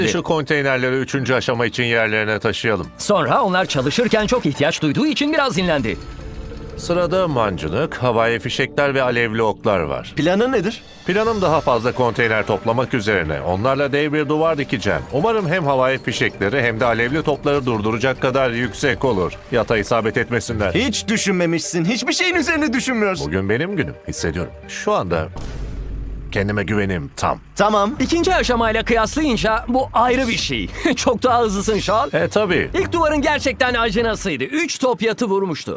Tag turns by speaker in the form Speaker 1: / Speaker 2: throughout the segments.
Speaker 1: Şu konteynerleri 3. aşama için yerlerine taşıyalım.
Speaker 2: Sonra onlar çalışırken çok ihtiyaç duyduğu için biraz dinlendi.
Speaker 1: Sırada mancınık, havai fişekler ve alevli oklar var.
Speaker 3: Planın nedir?
Speaker 1: Planım daha fazla konteyner toplamak üzerine. Onlarla dev bir duvar dikeceğim. Umarım hem havai fişekleri hem de alevli topları durduracak kadar yüksek olur. Yata isabet etmesinler.
Speaker 3: Hiç düşünmemişsin. Hiçbir şeyin üzerine düşünmüyorsun.
Speaker 1: Bugün benim günüm. Hissediyorum. Şu anda kendime güvenim tam.
Speaker 3: Tamam.
Speaker 2: İkinci aşamayla kıyaslayınca bu ayrı bir şey. Çok daha hızlısın Sean.
Speaker 1: Tabii.
Speaker 2: İlk duvarın gerçekten acınasıydı. 3 top yatı vurmuştu.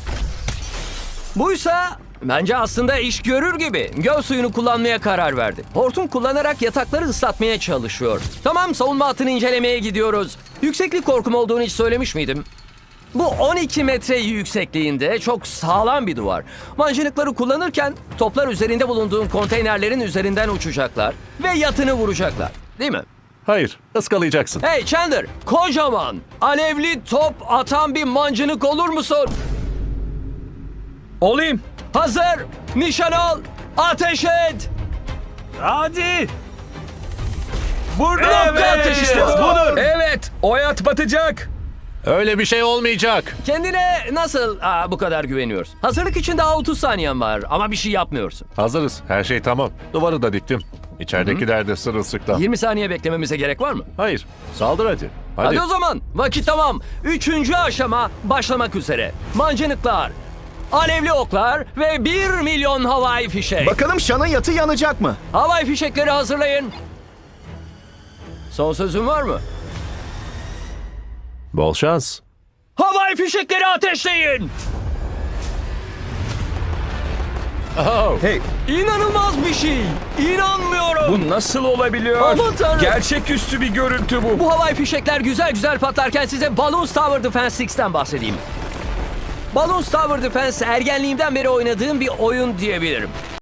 Speaker 2: Buysa bence aslında iş görür gibi. Göl suyunu kullanmaya karar verdi. Hortum kullanarak yatakları ıslatmaya çalışıyor. Tamam, savunma hattını incelemeye gidiyoruz. Yükseklik korkum olduğunu hiç söylemiş miydim? Bu 12 metre yüksekliğinde çok sağlam bir duvar. Mancınıkları kullanırken toplar üzerinde bulunduğun konteynerlerin üzerinden uçacaklar ve yatını vuracaklar. Değil mi?
Speaker 1: Hayır, ıskalayacaksın.
Speaker 2: Hey Chandler, kocaman, alevli top atan bir mancınık olur musun?
Speaker 4: Olayım.
Speaker 2: Hazır, nişan al, ateş et.
Speaker 4: Hadi. Burada
Speaker 2: Nokta atışı işte bu.
Speaker 4: budur. Evet. O hayat batacak.
Speaker 1: Öyle bir şey olmayacak.
Speaker 2: Kendine nasıl bu kadar güveniyorsun? Hazırlık için daha 30 saniyen var ama bir şey yapmıyorsun.
Speaker 1: Hazırız. Her şey tamam. Duvarı da diktim. İçeridekiler de sırılsıklam.
Speaker 2: 20 saniye beklememize gerek var mı?
Speaker 1: Hayır. Saldır hadi.
Speaker 2: Hadi o zaman, vakit tamam. 3. aşama başlamak üzere. Mancınıklar, alevli oklar ve 1 milyon havai fişek.
Speaker 3: Bakalım Sean'ın yatı yanacak mı?
Speaker 2: Havai fişekleri hazırlayın. Son sözün var mı?
Speaker 1: Bol şans.
Speaker 2: Havai fişekleri ateşleyin.
Speaker 1: Oh.
Speaker 4: Hey,
Speaker 2: İnanılmaz bir şey. İnanmıyorum.
Speaker 4: bu nasıl olabiliyor?
Speaker 2: Aman tanrım.
Speaker 4: Gerçeküstü bir görüntü bu.
Speaker 2: Bu havai fişekler güzel güzel patlarken size Balloons Tower Defense 6'ten bahsedeyim. Balloons Tower Defense ergenliğimden beri oynadığım bir oyun diyebilirim.